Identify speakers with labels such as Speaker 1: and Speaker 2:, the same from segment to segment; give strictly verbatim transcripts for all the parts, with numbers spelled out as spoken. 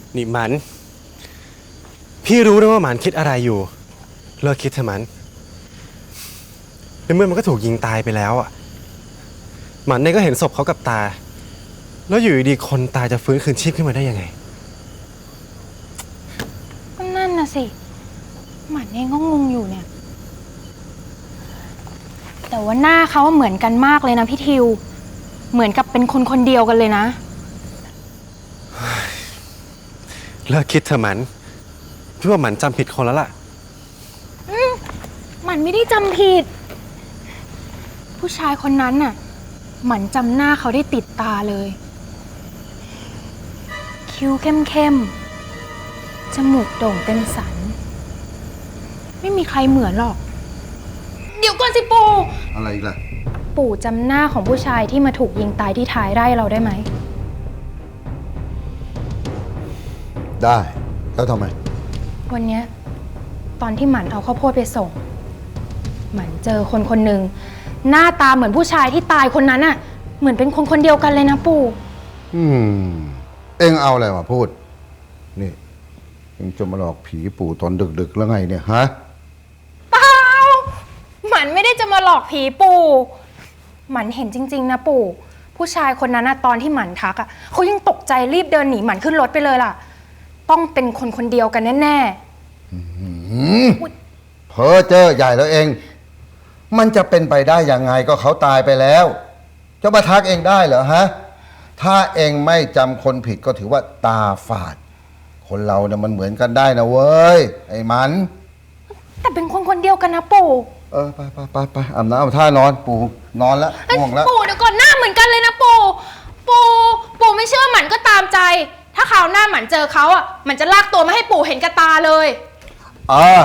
Speaker 1: นี่หมันพี่รู้นะว่าหมันคิดอะไรอยู่เลิกคิดเถอะหมันในเมื่อมันก็ถูกยิงตายไปแล้วอ่ะหมันเนี่ยก็เห็นศพเขากับตาแล้วอยู่ดีๆคนตายจะฟื้นคืนชีพขึ้นมาได้ยังไง
Speaker 2: ก็นั่นน่ะสิหมันเองก็งงอยู่เนี่ยแต่ว่าหน้าเขาเหมือนกันมากเลยนะพี่ทิวเหมือนกับเป็นคนคนเดียวกันเลยนะ
Speaker 1: เลิกคิดเถอะหมันพี่ว่าหมันจำผิดคนแล้วล่ะ
Speaker 2: หมันไม่ได้จำผิดผู้ชายคนนั้นน่ะหมันจำหน้าเขาได้ติดตาเลยคิ้วเข้มๆจมูกโด่งเป็นสันไม่มีใครเหมือนหรอกเดี๋ยวก่อนสิปู่
Speaker 3: อะไรอีกล่ะ
Speaker 2: ปู่จำหน้าของผู้ชายที่มาถูกยิงตายที่ท้ายไร่เราได้ไหม
Speaker 3: ได้แล้วทำไม
Speaker 2: วันนี้ตอนที่หมันเอาข้าวโพดไปส่งหมันเจอคนคนหนึ่งหน้าตาเหมือนผู้ชายที่ตายคนนั้นน่ะเหมือนเป็นคนคนเดียวกันเลยนะปู่
Speaker 3: อืมเอ็งเอาอะไรมาพูดนี่เอ็งจะมาหลอกผีปู่ตอนดึกๆแล้วไงเนี่ยฮะ
Speaker 2: เปล่าหมันไม่ได้จะมาหลอกผีปู่หมันเห็นจริงๆนะปู่ผู้ชายคนนั้นน่ะตอนที่หมันทักอ่ะเขายังตกใจรีบเดินหนีหมันขึ้นรถไปเลยล่ะต้องเป็นคนคนเดียวกันแน่
Speaker 3: ๆเพ้อเจ้อใหญ่แล้วเองมันจะเป็นไปได้ยังไงก็เขาตายไปแล้วจะมาทักเองได้เหรอฮะถ้าเองไม่จำคนผิดก็ถือว่าตาฝาดคนเราเนี่ยมันเหมือนกันได้นะเว้ยไอ้มัน
Speaker 2: แต่เป็นคนคนเดียวกันนะปู่
Speaker 3: เออไปไปไปไปอาบน้ำอาบท่านอนปู่นอนแล้วง่วงแล้ว
Speaker 2: ปู่เดี๋ยวก่อนหน้าเหมือนกันเลยนะปู่ปู่ปู่ไม่เชื่อหมันก็ตามใจถ้าคราวหน้าหมันเจอเขาอ่ะมันจะลากตัวมาให้ปู่เห็นกับตาเลย
Speaker 3: อ่า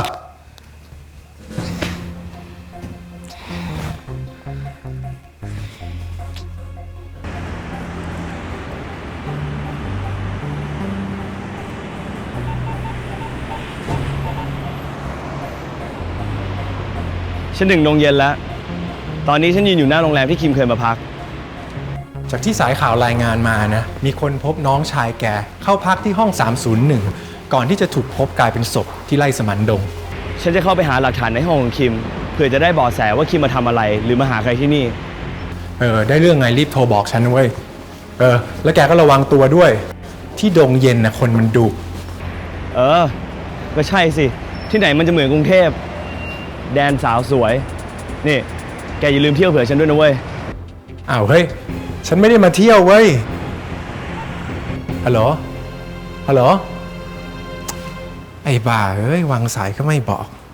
Speaker 4: ฉันถึงโรงเย็นแล้วตอนนี้ฉันยืนอยู่หน้าโรงแรมที่คิมเคยมาพัก
Speaker 5: จากที่สายข่าวรายงานมานะมีคนพบน้องชายแกเข้าพักที่ห้องสามศูนย์หนึ่งก่อนที่จะถูกพบกลายเป็นศพที่ไร่สมันดง
Speaker 4: ฉันจะเข้าไปหาหลักฐานในห้องของคิมเพื่อจะได้เบาะแสว่าคิมมาทำอะไรหรือมาหาใครที่นี่
Speaker 5: เออได้เรื่องไงรีบโทรบอกฉันเว้ยเออแล้วแกก็ระวังตัวด้วยที่ดงเย็นนะคนมันดุ
Speaker 4: เออก็ใช่สิที่ไหนมันจะเหมือนกรุงเทพแดนสาวสวยนี่แกอย่าลืมเที่ยวเผื่อฉันด้วยนะเว้ย
Speaker 5: อ้าวเฮ้ยฉันไม่ได้มาเที่ยวเว้ยฮัลโหลฮัลโหลไอ้บ้าเอ้ยวางสายก็ไม่บอก